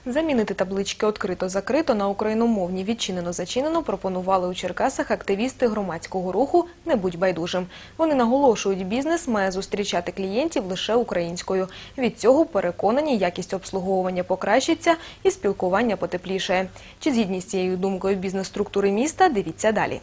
Замінити таблички «Відкрито-закрито» на україномовні «Відчинено-зачинено» пропонували у Черкасах активісти громадського руху «Не будь байдужим». Вони наголошують, бізнес має зустрічати клієнтів лише українською. Від цього, переконані, якість обслуговування покращиться і спілкування потеплішає. Чи згідні з цією думкою бізнес-структури міста – дивіться далі.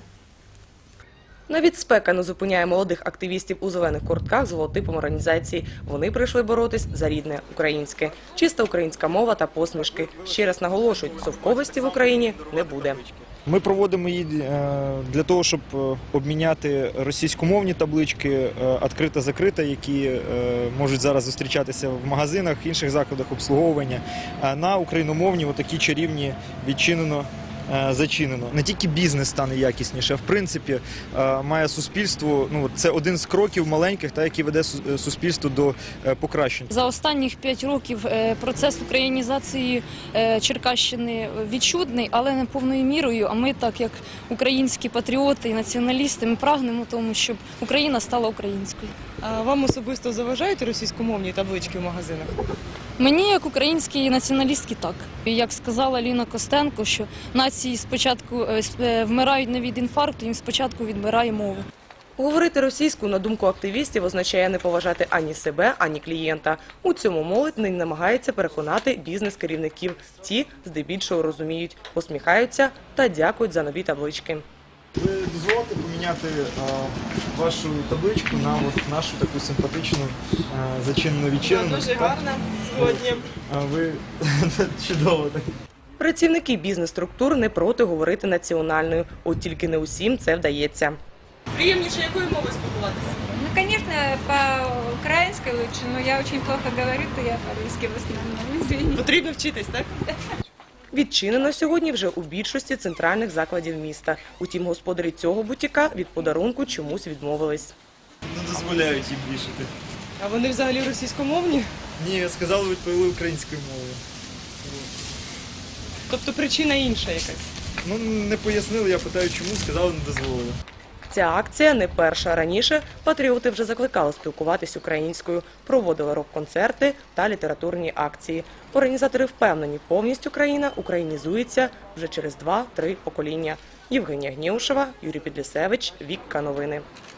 Навіть спека не зупиняє молодих активістів у зелених куртках з логотипом організації. Вони прийшли боротись за рідне українське. Чиста українська мова та посмішки. Ще раз наголошують, совковості в Україні не буде. Ми проводимо її для того, щоб обміняти російськомовні таблички «Відкрито-закрито», які можуть зараз зустрічатися в магазинах, інших закладах обслуговування, на україномовні, отакі чарівні «Відчинено-зачинено». Не тільки бізнес стане якісніше, а в принципі має суспільство, це один з кроків маленьких, який веде суспільство до покращення. За останніх 5 років процес українізації Черкащини відчутний, але не повною мірою. А ми, так як українські патріоти і націоналісти, ми прагнемо тому, щоб Україна стала українською. А вам особисто заважають російськомовні таблички в магазинах? Мені, як українській націоналістці, так. І як сказала Ліна Костенко, що нації спочатку вмирають не від інфаркту, їм спочатку відбирає мову. Говорити російською, на думку активістів, означає не поважати ані себе, ані клієнта. У цьому молодь не намагається переконати бізнес-керівників. Ті, здебільшого, розуміють, посміхаються та дякують за нові таблички. Ви дозволите поміняти вашу табличку на нашу таку симпатичну «Зачинено-відчинено»? Дуже гарно, сьогодні. Ви чудово так. Працівники бізнес-структур не проти говорити національною, от тільки не усім це вдається. Приємніше якою мовою спілкуватися? Ну, конечно, по-украински лучше, но я очень плохо говорю, то я по-русски в основном, извините. Потрібно вчитись, так? Відчинено сьогодні вже у більшості центральних закладів міста. Утім, господарі цього бутіка від подарунку чомусь відмовились. Не дозволяють їм вішати. А вони взагалі російськомовні? Ні, сказали, відповіли українською мовою. Тобто причина інша якась? Не пояснили, я питаю, чому, сказали, не дозволили. Ця акція не перша. Раніше патріоти вже закликали спілкуватись українською, проводили рок-концерти та літературні акції. Організатори впевнені, повністю країна українізується вже через 2-3 покоління. Євгенія Гнєушева, Юрій Підлісевич, Вікка Новини.